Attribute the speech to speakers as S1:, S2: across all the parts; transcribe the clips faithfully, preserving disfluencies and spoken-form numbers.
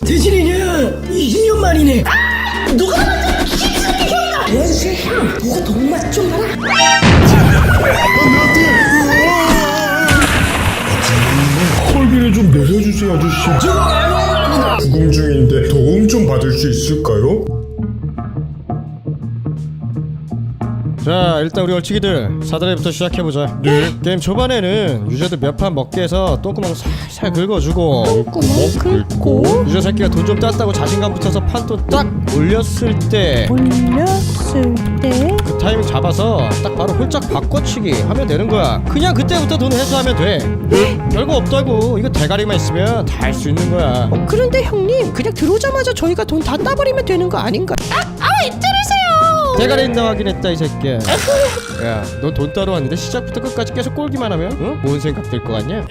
S1: 대신이냐 이십 년 만이네. 아! 누가 만든 기술이 형이다. 대신 형 누가 돈맛 좀 봐라.
S2: 콜비를 좀 내려주세요 아저씨. 부금 중인데 도움 좀 받을 수 있을까요?
S3: 자, 일단 우리 얼치기들 사다리부터 시작해보자.
S2: 네.
S3: 게임 초반에는 유저들 몇 판 먹게 해서 똥구멍 살살 긁어주고,
S4: 똥구멍 긁고
S3: 유저 새끼가 돈 좀 땄다고 자신감 붙어서 판돈 딱 올렸을 때
S4: 올렸을 때
S3: 그 타이밍 잡아서 딱 바로 홀짝 바꿔치기 하면 되는 거야. 그냥 그때부터 돈 회수하면 돼. 별거 없다고. 이거 대가리만 있으면 다 할 수 있는 거야.
S4: 어, 그런데 형님 그냥 들어오자마자 저희가 돈 다 따버리면 되는 거 아닌가? 아! 아! 왜 때리세요!
S3: 대가리 있나 확인했다 이 새끼야. 야, 너 돈 따러 왔는데 시작부터 끝까지 계속 꼴기만 하면 응? 뭔 생각 들 거 같냐?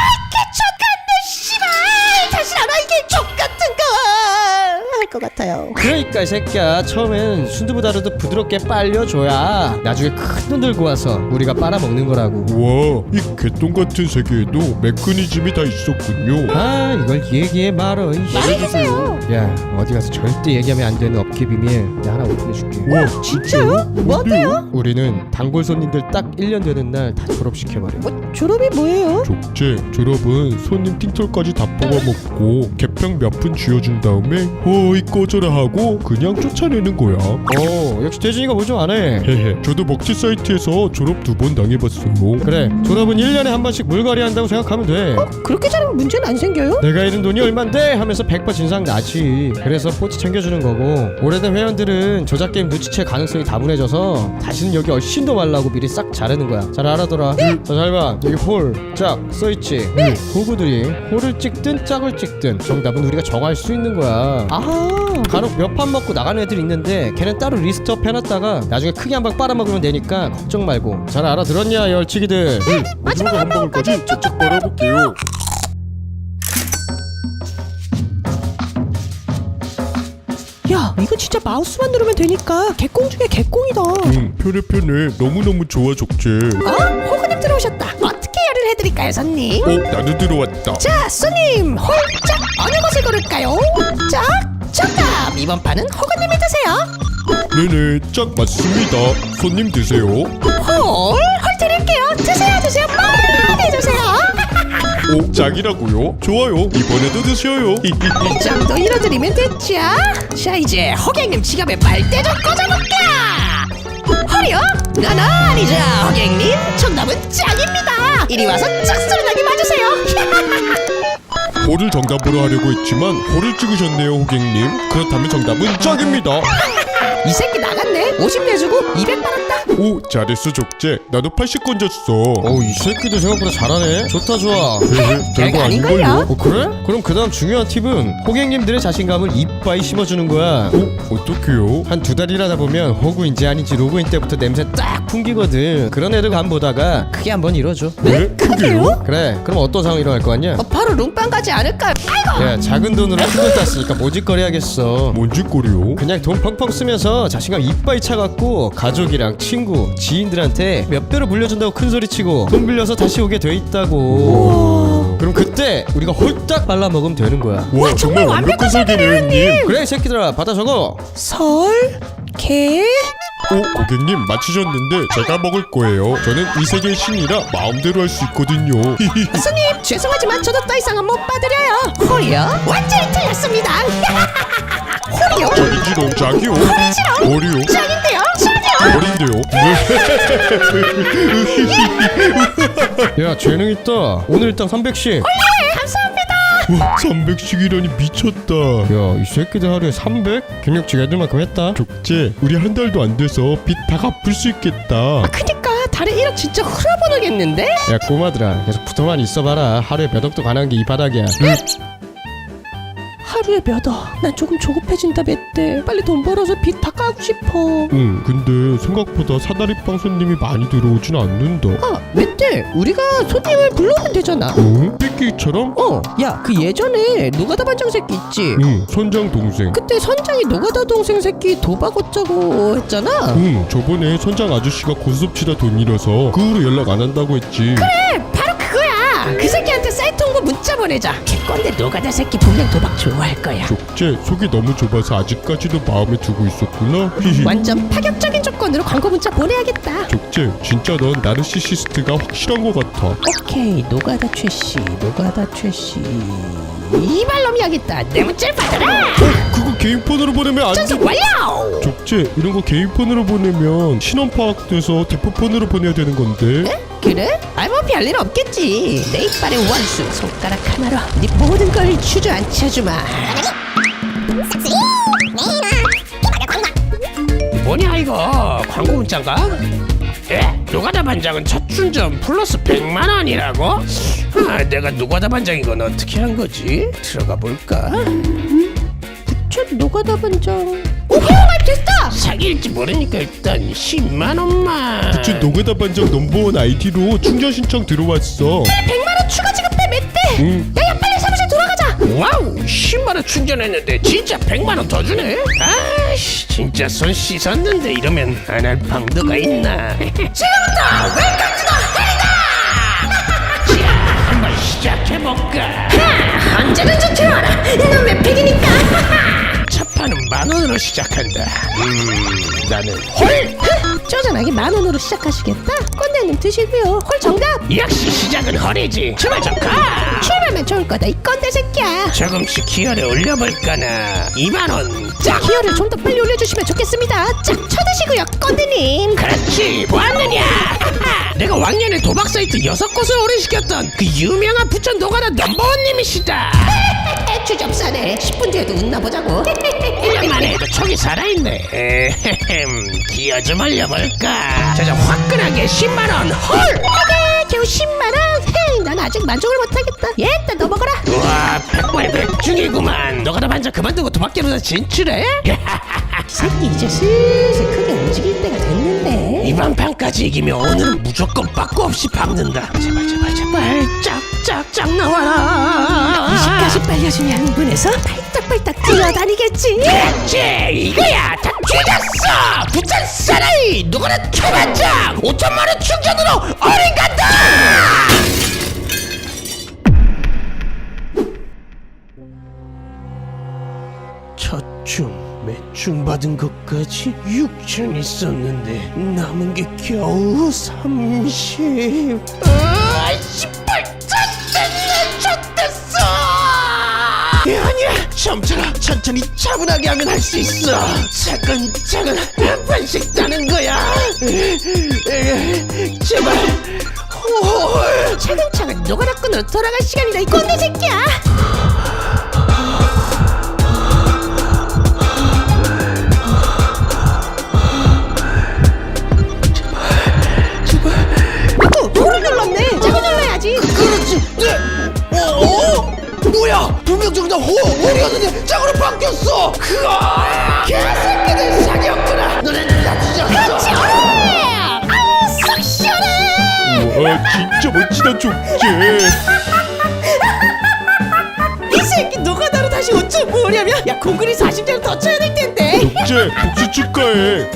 S4: 것 같아요.
S3: 그러니까 이 새끼야, 처음엔 순두부다루도 부드럽게 빨려줘야 나중에 큰 돈 들고 와서 우리가 빨아먹는 거라고.
S2: 와, 이 개똥 같은 세계에도 메커니즘이 다 있었군요.
S3: 아, 이걸 얘기해 말어.
S4: 말해주세요.
S3: 야, 어디 가서 절대 얘기하면 안 되는 업계 비밀 내가 하나 오픈해줄게.
S2: 와,
S4: 진짜요? 뭔데요?
S3: 우리는 단골 손님들 딱 일 년 되는 날 다 졸업시켜버려.
S4: 뭐, 졸업이 뭐예요?
S2: 족제 졸업은 손님 팅털까지 다 뽑아먹고 개평 몇 푼 쥐어준 다음에 허이 꺼져라 하고 그냥 쫓아내는 거야.
S3: 오, 역시 대진이가 뭐 좀 안해.
S2: 헤헤, 저도 먹튀 사이트에서 졸업 두 번 당해봤어요.
S3: 그래, 졸업은 일 년에 한 번씩 물갈이 한다고 생각하면 돼.
S4: 그렇게 잘하면 문제는 안 생겨요?
S3: 내가 잃은 돈이 얼만데 하면서 백 퍼센트 진상 나지. 그래서 포치 챙겨주는 거고, 오래된 회원들은 저작 게임 눈치챌 가능성이 다분해져서 다시는 여기 얼씬 더 말라고 미리 싹 자르는 거야. 잘 알아둬라. 자, 잘 봐. 여기 홀, 짝 써있지. 네. 호구들이 홀을 찍든 짝을 찍든 정답은 우리가 정할 수 있는 거야.
S4: 아,
S3: 간혹 몇 판 먹고 나가는 애들이 있는데 걔는 따로 리스트업 해놨다가 나중에 크게 한 방 빨아먹으면 되니까 걱정 말고. 잘 알아들었냐 이 얼치기들.
S2: 네, 마지막 한 방울까지 쭉쭉 빨아볼게요.
S4: 야, 이거 진짜 마우스만 누르면 되니까 개꽁 중에 개꽁이다.
S2: 응, 편해 편해. 너무너무 좋아 족제.
S4: 어? 호구님 들어오셨다. 어떻게 열을 해드릴까요, 손님?
S2: 어, 나도 들어왔다.
S4: 자, 손님, 홀짝 어느 것을 고를까요? 짝, 정답. 이번 판은 호구님이 드세요.
S2: 네네, 짝 맞습니다. 손님 드세요.
S4: 홀, 홀 드릴게요. 드세요, 드세요. 많이 드세요.
S2: 오, 짝이라고요? 좋아요. 이번에도 드셔요.
S4: 이 정도 잃어드리면 됐죠. 자, 이제 호갱님 지갑에 발대 좀 꽂아볼까. 홀이요? 나나 아니죠, 호갱님. 정답은 짝입니다. 이리 와서 짝소리나게 맞으세요.
S2: 홀을 정답으로 하려고 했지만 홀을 찍으셨네요, 호갱님. 그렇다면 정답은 짝입니다.
S4: 이 새끼 나갔네. 오십 내주고 이백 받았다.
S2: 오, 잘했어 족제. 나도 팔십 건졌어.
S3: 어우, 이 새끼들 생각보다 잘하네. 좋다 좋아.
S2: 별거
S4: 아닌걸요?
S2: 아닌걸요?
S3: 어, 그래? 그럼 그 다음 중요한 팁은 호갱님들의 자신감을 이빠이 심어주는 거야.
S2: 오, 어떡해요?
S3: 한 두 달 일하다 보면 호구인지 아닌지 로그인 때부터 냄새 딱 풍기거든. 그런 애들 간 보다가 크게 한번 이뤄줘.
S2: 네? 크게요?
S3: 그래, 그럼 어떤 상황이 일어날 거 같냐?
S4: 어, 바로 룸빵 가지 않을까요? 아이고.
S3: 야, 작은 돈으로 큰 돈 땄으니까 모짓거리 하겠어.
S2: 뭔 짓거리요?
S3: 그냥 돈 펑펑 쓰면서 자신감 이빠이 차갖고 가족이랑 친구, 지인들한테 몇 배로 물려준다고 큰소리치고 돈 빌려서 다시 오게 돼 있다고. 그럼 그때 우리가 홀딱 발라먹으면 되는 거야.
S2: 와, 정말 완벽한 설계네요, 형님.
S3: 그래, 이 새끼들아, 받아 적어.
S4: 설, 개.
S2: 오, 고객님 맞히셨는데 제가 먹을 거예요. 저는 이 세계의 신이라 마음대로 할 수 있거든요.
S4: 스님, 죄송하지만 저도 더 이상은 못 받으려요. 홀이요? 완전히 틀렸습니다. 홀이요?
S2: 짝이지롱, 짝이요. 머리요.
S4: 짝인데요? 짝이요?
S2: 머리인데요.
S3: 야, 재능 있다. 오늘 일당 삼백씩.
S4: 네, 감사합니다.
S2: 와, 삼백씩이라니 미쳤다.
S3: 야, 이 새끼들 하루에 삼백? 경력직 애들만큼 했다.
S2: 족제, 우리 한 달도 안 돼서 빚 다 갚을 수 있겠다.
S4: 그니까 달에 일억 진짜 흘러보내겠는데?
S3: 야, 꼬마들아, 계속 붙어만 있어봐라. 하루에 몇 억도 가능한 게 이 바닥이야.
S4: 하루에 몇 억? 난 조금 조급해진다 멧돼. 빨리 돈 벌어서 빚 다 까고 싶어.
S2: 응, 근데 생각보다 사다리빵 손님이 많이 들어오진 않는다.
S4: 아, 멧돼, 우리가 손님을 불러오면 되잖아.
S2: 응? 삐끼처럼?
S4: 어, 야, 그 예전에 노가다 반장 새끼 있지?
S2: 응, 선장 동생.
S4: 그때 선장이 노가다 동생 새끼 도박 어쩌고 했잖아.
S2: 응, 저번에 선장 아저씨가 고스톱 치다 돈 잃어서 그 후로 연락 안 한다고 했지.
S4: 그래, 바로 그거야. 그 새끼한테 사이트 홍보 문자 보내자. 개꼰대 노가다 새끼 분명 도박 좋아할 거야.
S2: 족제 속이 너무 좁아서 아직까지도 마음에 두고 있었구나. 히히.
S4: 완전 파격적인 조건으로 광고 문자 보내야겠다.
S2: 족제 진짜 넌 나르시시스트가 확실한 것 같아.
S4: 오케이, 노가다 최씨, 노가다 최씨. 이발놈이 하겠다. 내 문자를 받아라.
S2: 그거 개인폰으로 보내면 안 돼.
S4: 전송 완료.
S2: 족제 이런 거 개인폰으로 보내면 신원 파악돼서 대포폰으로 보내야 되는 건데.
S4: 그래? 알뭐 별일 없겠지. 내 이빨의 원수 손가락 하나로 네 모든 걸 주저앉혀주마.
S5: 뭐냐 이거 광고 문자인가? 에? 노가다 반장은 첫 충전 플러스 백만 원이라고? 아, 내가 노가다 반장인 건 어떻게 한 거지? 들어가 볼까?
S4: 저 노가다 반장. 오, 가입 됐다.
S5: 사기일지 모르니까 일단 십만 원만.
S2: 부채 노가다 반장 넘버원 아이디로 충전 신청 들어왔어.
S4: 백만 원 추가 지급해 멧돼.
S2: 응.
S4: 야야 빨리 사무실 돌아가자.
S5: 와우 십만 원 충전했는데 진짜 백만 원 더 주네? 아이씨 진짜 손 씻었는데 이러면 안 할 방도가 있나?
S4: 지금부터 웰컴 투 더 헬이다.
S5: 자 한번 시작해볼까?
S4: 언제든 좋더라. 넌왜 팩이니까.
S5: 첫 판은 만 원으로 시작한다. 음 나는 홀!
S4: 쪼잔하게 만 원으로 시작하시겠다. 꼰대님 드시고요. 홀 정답.
S5: 역시 시작은 헐이지. 출발 좀 가!
S4: 출발만 좋을 거다 이 꼰대 새끼야.
S5: 조금씩 기여를 올려볼까나. 이만 원.
S4: 자, 기어를 좀 더 빨리 올려주시면 좋겠습니다. 짝 쳐드시고요, 꼰대님.
S5: 그렇지 뭐하느냐. 내가 왕년에 도박 사이트 여섯 곳을 오래시켰던 그 유명한 부천 노가다 넘버원님이시다.
S4: 주접사네. 십 분 뒤에도 웃나 보자고.
S5: 일 년 만에 해도 촉이 살아있네. 에헤헴 기여 좀 올려볼까. 자자 화끈하게 십만 원 헐.
S4: 그래, 겨우 십만 원. 헤이, 난 아직 만족을 못하겠다. 예, 일단 넘어가라.
S5: 우와 백발백중이구만. 노가다 반장 그만두고 도박계로 진출해?
S4: 새끼 이제 슬슬 크게 움직일 때가 됐는데.
S5: 이번 판까지 이기면 오늘은 무조건 빠꾸 없이 박는다. 제발 제발 제발 짝짝짝 나와라.
S4: 이십까지 빨려주면 문에서 팔딱팔딱 뛰어다니겠지.
S5: 그렇지 이거야 다 뒤졌어. 부천 사나이 노가다 초반장 오천만 원 충전으로 어린 간다. 첫중 매중 받은 것까지 육천 있었는데 남은 게 겨우 삼십. 아, 씨발 졌댔네 졌댔어. 아니야 점처럼 천천히 차분하게 하면 할 수 있어. 차근차근 한 판씩 따는 거야. 제발 홀.
S4: 차근차근 노가다꾼으로 돌아갈 시간이다 이 꼰대 새끼야. 아구 돌을 눌렀네. 자꾸 눌러야지.
S5: 그렇지. 네. 어? 어? 뭐야? 분명 정답 호! 홀이었는데 짝으로 바뀌었어! 그아! 개새끼들 사기였구나! 너네는 다 뒤졌어!
S4: 아우 쏙 시원해.
S2: 와 진짜 멋지다 족제.
S4: 이 새끼 노가다로 다시 오천 모으려면 야 공군이 사십 대를 더 쳐야 될 텐데.
S2: 족제 복수 축하해.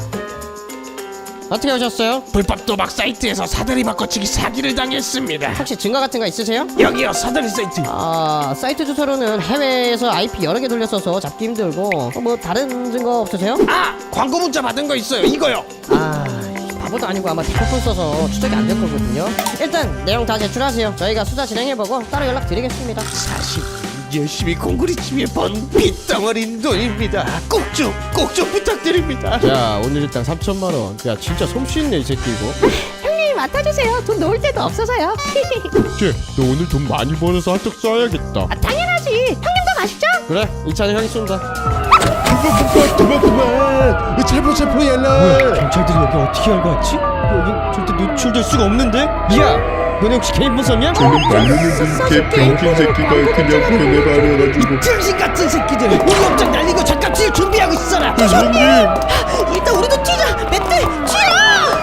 S3: 어떻게 오셨어요?
S5: 불법 도박 사이트에서 사다리 바꿔치기 사기를 당했습니다.
S3: 혹시 증거 같은 거 있으세요?
S5: 여기요 사다리 사이트.
S3: 아 사이트 주소로는 해외에서 아이피 여러 개 돌렸어서 잡기 힘들고 어, 뭐 다른 증거 없으세요?
S5: 아! 광고 문자 받은 거 있어요. 이거요.
S3: 아 바보도 아니고 아마 대포폰 써서 추적이 안 될 거거든요. 일단 내용 다 제출하세요. 저희가 수사 진행해보고 따로 연락드리겠습니다.
S5: 사실 열심히 공구리 집에 번 빗덩어리 돈입니다. 꼭 좀 꼭 좀 부탁드립니다.
S3: 자 오늘 일단 삼천만 원. 야 진짜 솜씨 있네 이 새끼 이거.
S4: 형님이 맡아주세요. 돈 놓을 데도 없어서요.
S2: 족제 너 오늘 돈 많이 벌어서 한턱 쏴야겠다.
S4: 아, 당연하지. 형님도 가시죠.
S3: 그래 이 차는 형이 쏜다.
S2: 그만 그만. 체포 체포
S3: 뭐야
S2: 연락.
S3: 경찰들이 여기 어떻게 알고 왔지? 여기 절대 노출될 수가 없는데? 야 너네 혹시 개인폰 썼냐?
S2: 저는 말르는 개 병신 새끼가 그냥 변해버려가지고.
S5: 정신 같은 새끼들 우리 업장 날리고 잠깐 뛸 준비하고 있어라.
S2: 형님.
S4: 일단 우리도 튀자. 멧돼 튀어.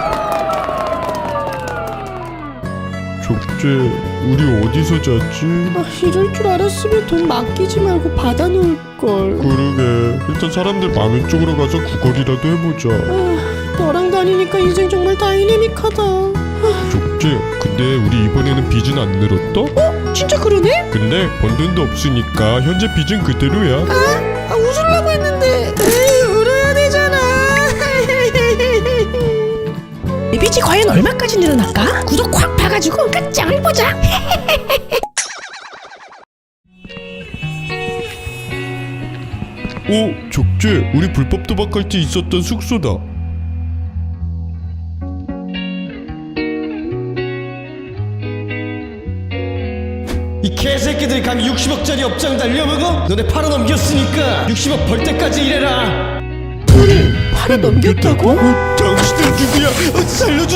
S2: 족제 우리 어디서 잤지?
S4: 아, 이럴 줄 알았으면 돈 맡기지 말고 받아놓을 걸.
S2: 그러게 일단 사람들 많은 쪽으로 가서 구걸이라도 해보자.
S4: 아, 너랑 다니니까 인생 정말 다이내믹하다.
S2: 족제 근데 우리 이번에는 빚은 안 늘었다?
S4: 진짜 그러네?
S2: 근데 번 돈도 없으니까 현재 빚은 그대로야.
S4: 아, 아 웃으려고 했는데 에이, 울어야 되잖아. 이 빚이 과연 얼마까지 늘어날까? 구독 확 봐가지고 끝장을 보자.
S2: 오, 적재, 우리 불법 도박할 때 있었던 숙소다.
S3: 이 개새끼들이 감히 육십억짜리 업장 날려먹어? 너네 팔아 넘겼으니까 육십억 벌 때까지 일해라.
S4: 팔아 넘겼다고?
S2: 당신은 누구야? 어, 살려